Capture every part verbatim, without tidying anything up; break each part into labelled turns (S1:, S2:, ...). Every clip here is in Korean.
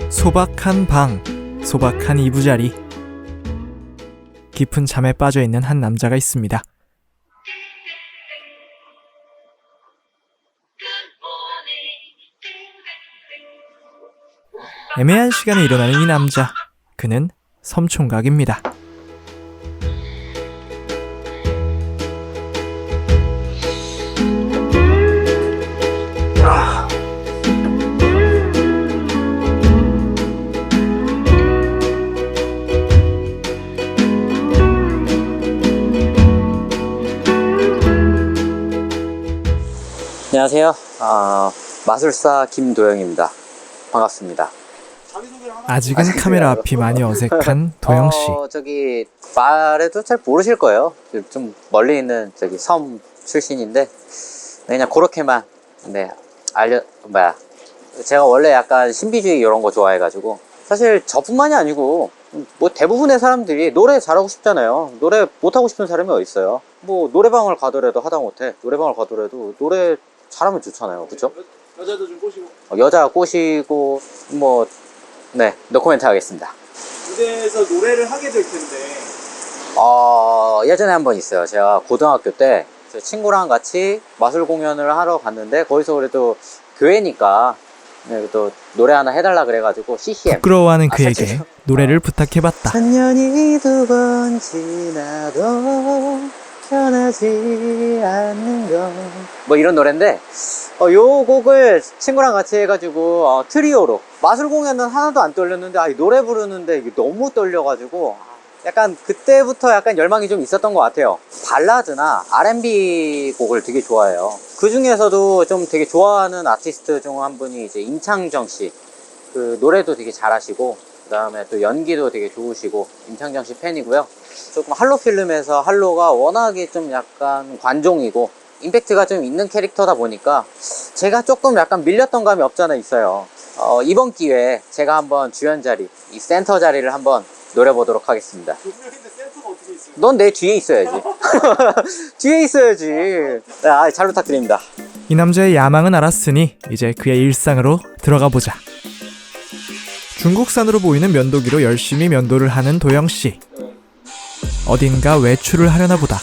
S1: 소박한 방, 소박한 이부자리. 깊은 잠에 빠져있는 한 남자가 있습니다. 애매한 시간에 일어나는 이 남자, 그는 섬총각입니다.
S2: 안녕하세요. 어, 마술사 김도영입니다. 반갑습니다.
S1: 아직은 카메라 앞이 많이 어색한 도영씨.
S2: 어, 저기 말해도 잘 모르실 거예요. 좀 멀리 있는 저기 섬 출신인데 그냥 그렇게만 네 알려 뭐야. 제가 원래 약간 신비주의 이런 거 좋아해가지고 사실 저뿐만이 아니고 뭐 대부분의 사람들이 노래 잘하고 싶잖아요. 노래 못하고 싶은 사람이 어디 있어요. 뭐 노래방을 가더라도 하다못해 노래방을 가더라도 노래 잘하면 좋잖아요. 그쵸?
S3: 여, 여자도 좀 꼬시고
S2: 어, 여자 꼬시고 뭐 네 노코멘트 하겠습니다.
S3: 무대에서 노래를 하게 될 텐데
S2: 어 예전에 한 번 있어요. 제가 고등학교 때 제 친구랑 같이 마술 공연을 하러 갔는데 거기서 그래도 교회니까 네, 또 노래 하나 해달라 그래가지고 씨씨엠
S1: 부끄러워하는
S2: 아,
S1: 그에게
S2: 사실-
S1: 노래를 부탁해봤다.
S2: 천년이 두 번 지나도 변하지 않는 것뭐 이런 노래인데 어, 요 곡을 친구랑 같이 해가지고 어, 트리오로 마술 공연은 하나도 안 떨렸는데 아, 이 노래 부르는데 이게 너무 떨려가지고 약간 그때부터 약간 열망이 좀 있었던 것 같아요. 발라드나 알앤비 곡을 되게 좋아해요. 그 중에서도 좀 되게 좋아하는 아티스트 중 한 분이 이제 임창정 씨. 그 노래도 되게 잘하시고 그 다음에 또 연기도 되게 좋으시고 임창정 씨 팬이고요. 조금 할로 필름에서 할로가 워낙에 좀 약간 관종이고 임팩트가 좀 있는 캐릭터다 보니까 제가 조금 약간 밀렸던 감이 없잖아 있어요. 어, 이번 기회에 제가 한번 주연 자리, 이 센터 자리를 한번 노려보도록 하겠습니다.
S3: 두 명인데 센터가 어떻게 있어요?
S2: 넌 내 뒤에 있어야지. 뒤에 있어야지. 아, 잘 부탁드립니다.
S1: 이 남자의 야망은 알았으니 이제 그의 일상으로 들어가 보자. 중국산으로 보이는 면도기로 열심히 면도를 하는 도영씨. 어딘가 외출을 하려나 보다.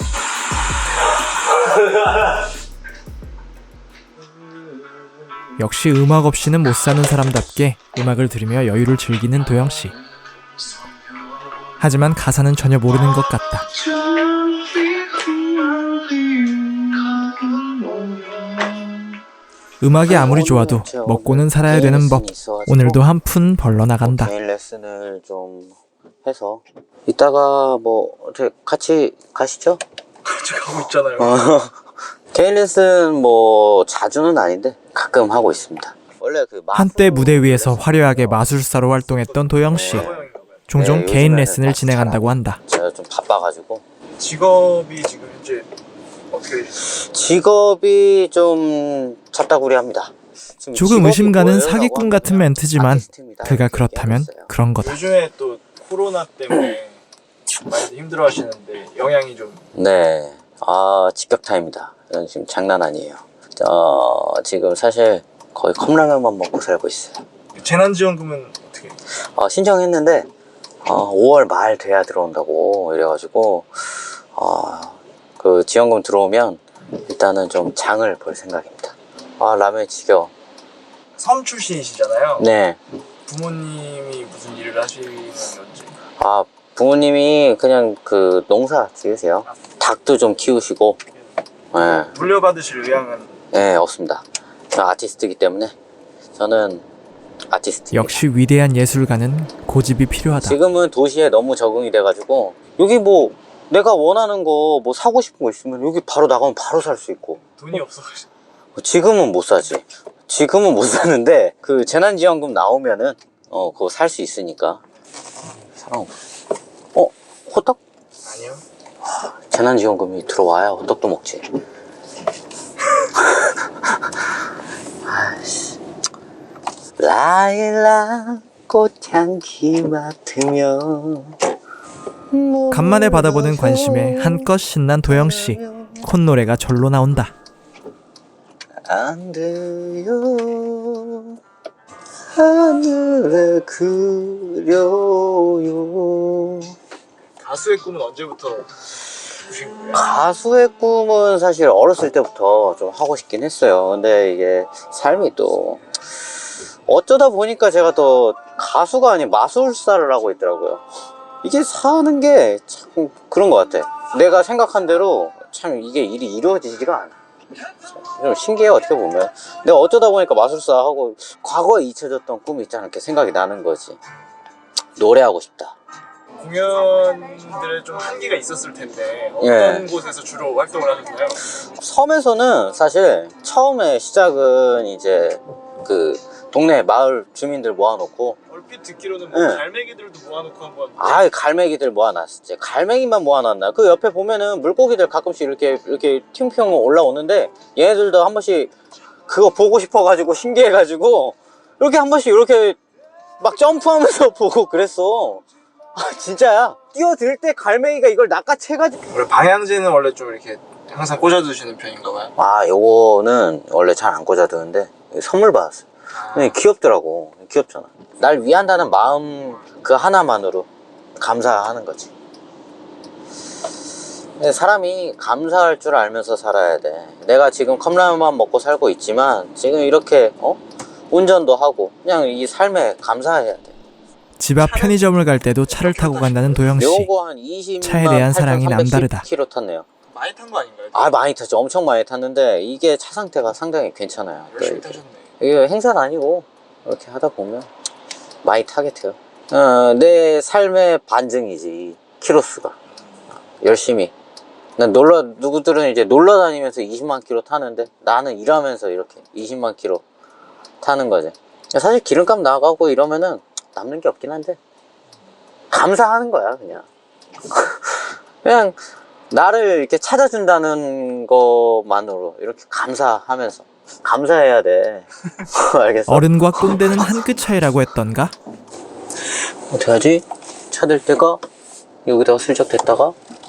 S1: 역시 음악 없이는 못 사는 사람답게 음악을 들으며 여유를 즐기는 도영씨. 하지만 가사는 전혀 모르는 것 같다. 음악이 아무리 좋아도 먹고는 살아야 되는 법. 오늘도 한 푼 벌러 나간다.
S2: 개인 레슨을 좀 해서 이따가 뭐 어떻게 같이 가시죠?
S3: 같이 가고 있잖아요.
S2: 어, 개인 레슨 뭐 자주는 아닌데 가끔 하고 있습니다. 원래 그
S1: 한때 무대 위에서 화려하게 마술사로 활동했던 도영씨. 종종
S2: 네,
S1: 개인
S2: 요즘에는
S1: 레슨을
S2: 딱
S1: 진행한다고 한다.
S2: 제가 좀 바빠가지고
S3: 직업이 지금 현재 어떻게 되시나요?
S2: 직업이 좀 잡다구리합니다. 지금
S1: 조금
S2: 직업이
S1: 의심 가는
S2: 뭐예요?
S1: 사기꾼
S2: 라고
S1: 같은
S2: 하면
S1: 멘트지만
S2: 아티스트입니다.
S1: 그가
S2: 이렇게
S1: 그렇다면
S2: 얘기했어요.
S1: 그런 거다.
S3: 요즘에 또 코로나 때문에 많이 힘들어 하시는데 영향이 좀
S2: 네, 아 직격타입니다. 이건 지금 장난 아니에요. 어, 지금 사실 거의 컵라면만 먹고 살고 있어요.
S3: 재난지원금은 어떻게
S2: 어, 신청했는데 어, 오월 말 돼야 들어온다고 이래가지고 어, 그 지원금 들어오면 일단은 좀 장을 볼 생각입니다. 아 라면 지겨워.
S3: 섬 출신이시잖아요.
S2: 네.
S3: 부모님이 무슨 일을 하시는 건지.
S2: 아 부모님이 그냥 그 농사 지으세요. 닭도 좀 키우시고. 네,
S3: 물려받으실 의향은
S2: 네 없습니다. 저는 아티스트이기 때문에 저는 아티스트.
S1: 역시 위대한 예술가는 고집이 필요하다.
S2: 지금은 도시에 너무 적응이 돼가지고 여기 뭐 내가 원하는 거 뭐 사고 싶은 거 있으면 여기 바로 나가면 바로 살 수 있고.
S3: 돈이 없어가지고.
S2: 지금은 못 사지. 지금은 못 사는데 그 재난지원금 나오면은 어 그거 살 수 있으니까. 사람 어 호떡?
S3: 아니요.
S2: 재난지원금이 들어와야 호떡도 먹지. 아이씨. 라일락 꽃향기 맡으며
S1: 간만에 받아보는 관심에 한껏 신난 도영씨. 콧노래가 절로 나온다.
S2: 안 돼요 하늘에 그려요.
S3: 가수의 꿈은 언제부터 꾸신 거예요?
S2: 가수의 꿈은 사실 어렸을 때부터 좀 하고 싶긴 했어요. 근데 이게 삶이 또 어쩌다 보니까 제가 또 가수가 아닌 마술사를 하고 있더라고요. 이게 사는 게 참 그런 것 같아. 내가 생각한 대로 참 이게 일이 이루어지지가 않아. 좀 신기해 어떻게 보면. 내가 어쩌다 보니까 마술사 하고 과거에 잊혀졌던 꿈이 있잖아. 이렇게 생각이 나는 거지. 노래하고 싶다.
S3: 공연들에 좀 한계가 있었을 텐데 어떤
S2: 예.
S3: 곳에서 주로 활동을 하셨나요?
S2: 섬에서는 사실 처음에 시작은 이제 그 동네 마을 주민들 모아놓고
S3: 얼핏 듣기로는 뭐
S2: 예.
S3: 갈매기들도 모아놓고 한번
S2: 아 갈매기들 모아놨었지. 갈매기만 모아놨나? 그 옆에 보면은 물고기들 가끔씩 이렇게 이렇게 팅평 올라오는데 얘네들도 한 번씩 그거 보고 싶어가지고 신기해가지고 이렇게 한 번씩 이렇게 막 점프하면서 보고 그랬어. 아 진짜야. 뛰어들 때 갈매기가 이걸 낚아채가지고.
S3: 원래 방향제는 원래 좀 이렇게 항상 꽂아두시는 편인가 봐요.
S2: 아 요거는 원래 잘 안 꽂아두는데 선물 받았어요. 근데 귀엽더라고. 귀엽잖아. 날 위한다는 마음 그 하나만으로 감사하는 거지. 근데 사람이 감사할 줄 알면서 살아야 돼. 내가 지금 컵라면만 먹고 살고 있지만 지금 이렇게 어? 운전도 하고 그냥 이 삶에 감사해야 돼.
S1: 집 앞 편의점을 갈 때도 차를 타고 간다는 도영 씨.
S2: 요거 한 이십만
S1: 차에 대한 사랑이 남다르다.
S2: 킬로미터 탔네요.
S3: 많이 탄 거 아닌가요?
S2: 아 많이 탔죠. 엄청 많이 탔는데 이게 차 상태가 상당히 괜찮아요.
S3: 열심히
S2: 또
S3: 타셨네.
S2: 이게 행사는 아니고 이렇게 하다 보면 많이 타게 돼요. 어, 내 삶의 반증이지 키로수가. 열심히 난 놀러 누구들은 이제 놀러 다니면서 이십만 킬로 타는데 나는 일하면서 이렇게 이십만 킬로 타는 거지. 사실 기름값 나가고 이러면은 남는 게 없긴 한데 감사하는 거야 그냥. 그냥 나를 이렇게 찾아준다는 것만으로 이렇게 감사하면서 감사해야 돼. 알겠어?
S1: 어른과 꼰대는 한 끗 차이라고 했던가?
S2: 어떡하지? 찾을 때가 여기다가 슬쩍 댔다가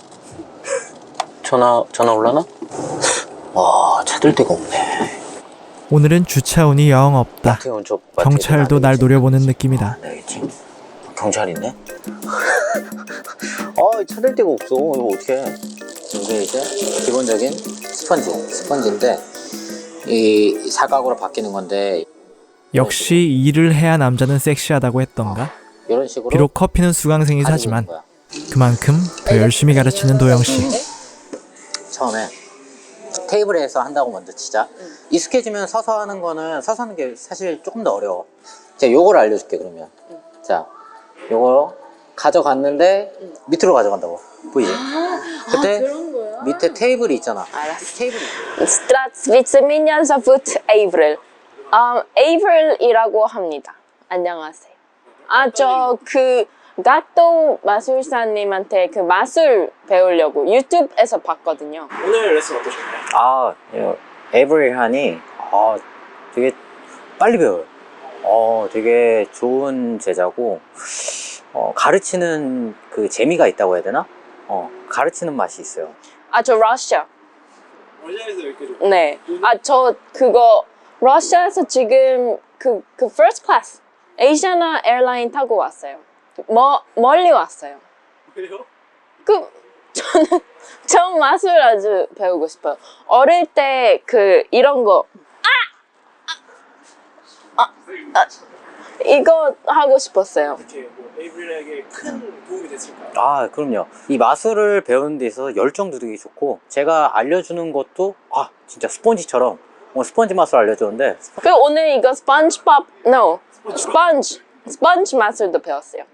S2: 전화 전화 올라나? 와 찾을 데가 없네.
S1: 오늘은 주차운이 영 없다.
S2: 마트에 온 쪽
S1: 경찰도 날 노려보는 느낌이다.
S2: 알겠지? 경찰 있네? 아 찾을 데가 없어. 이거 어떡해. 이게 이제 기본적인 스펀지 스펀지인데 이 사각으로 바뀌는 건데
S1: 역시 일을 해야 남자는 섹시하다고 했던가?
S2: 이런 식으로
S1: 비록 커피는 수강생이
S2: 가지고
S1: 사지만
S2: 있는 거야.
S1: 그만큼 더 열심히 가르치는 도영 씨.
S2: 처음에 테이블에서 한다고 먼저 치자. 익숙해지면 서서 하는 거는 서서 하는 게 사실 조금 더 어려워. 제가 요거를 알려줄게 그러면. 자, 요거 가져갔는데 밑으로 가져간다고. 보이지? 그때 밑에 테이블이 있잖아.
S4: 알았어.
S2: 테이블이.
S4: Здравствуйте, меня зовут 에이브릴. 음, 에이브릴이라고 합니다. 안녕하세요. 아, 저 그 갓도 마술사님한테 그 마술 배우려고 유튜브에서 봤거든요.
S3: 오늘 레슨 어떠셨나요?
S2: 아, 에이브릴하니 아, 되게 빨리 배워요. 어, 되게 좋은 제자고 어, 가르치는 그 재미가 있다고 해야 되나? 어, 가르치는 맛이 있어요.
S4: 아, 저 러시아.
S3: 러시아에서 여기까지
S4: 네. 아, 저 그거 러시아에서 지금 그, 그 first class 에이시아나 에어라인 타고 왔어요. 머, 멀리 왔어요.
S3: 왜요?
S4: 그 저는 저 마술 아주 배우고 싶어요. 어릴 때 그 이런 거 아! 아! 아! 이거 하고 싶었어요.
S3: 이렇게 뭐 에이브릴에게 큰 도움이 됐을까요?
S2: 아, 그럼요. 이 마술을 배우는 데 있어서 열정도 되게 좋고 제가 알려주는 것도 아, 진짜 스펀지처럼 뭐 스펀지 마술 알려주는데
S4: 그 오늘 이거 스펀지밥 no 스펀지 스펀지 마술도 배웠어요.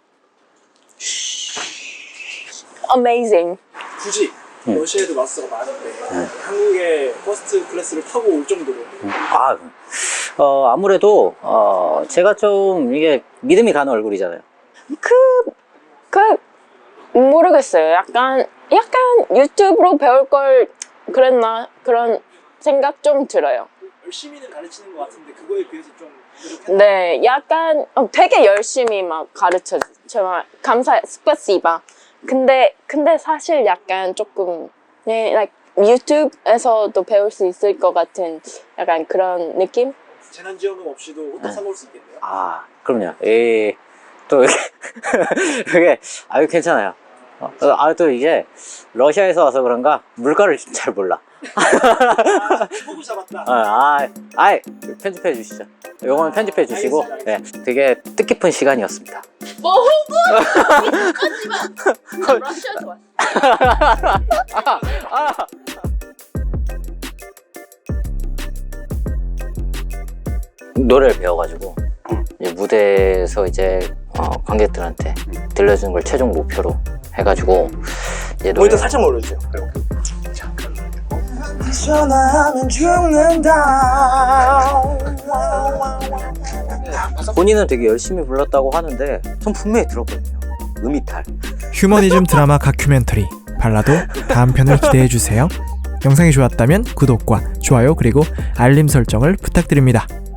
S4: Amazing.
S3: 굳이 러시아에도 마스터가 많은데 한국에 퍼스트 클래스를 타고 올 정도로
S2: 아, 어, 아무래도 어, 제가 좀 이게 믿음이 가는 얼굴이잖아요.
S4: 그, 그, 모르겠어요. 약간, 약간 유튜브로 배울 걸 그랬나? 그런 생각 좀 들어요.
S3: 열심히는 가르치는 것 같은데 그거에 비해서 좀 부족했나?
S4: 네, 약간 어, 되게 열심히 막 가르쳐, 정말 감사해, 스파시바. 근데, 근데 사실 약간 조금, 네, like, 유튜브에서도 배울 수 있을 것 같은 약간 그런 느낌?
S3: 재난지원금 없이도 호떡
S2: 네.
S3: 사 먹을 수 있겠네요.
S2: 아, 그럼요. 이, 또, 이게, 이게, 아유, 괜찮아요. 어, 아, 또 이게, 러시아에서 와서 그런가, 물가를 잘 몰라.
S3: 포구 잡았다.
S2: 아, 아, 아이, 편집해 주시죠. 요거는 편집해 주시고, 네, 되게 뜻깊은 시간이었습니다.
S4: 뭐 호구? 하지마. 러시아 좋아.
S2: 노래를 배워가지고, 이제 무대에서 이제, 어, 관객들한테 들려주는 걸 최종 목표로 해가지고, 이제 노래.
S3: 모니터 살짝 올려주세요. 전화하면 죽는다.
S2: 본인은 되게 열심히 불렀다고 하는데, 전 분명히 들었거든요. 음이탈.
S1: 휴머니즘 드라마 다큐멘터리 발라도 다음 편을 기대해 주세요. 영상이 좋았다면 구독과 좋아요 그리고 알림 설정을 부탁드립니다.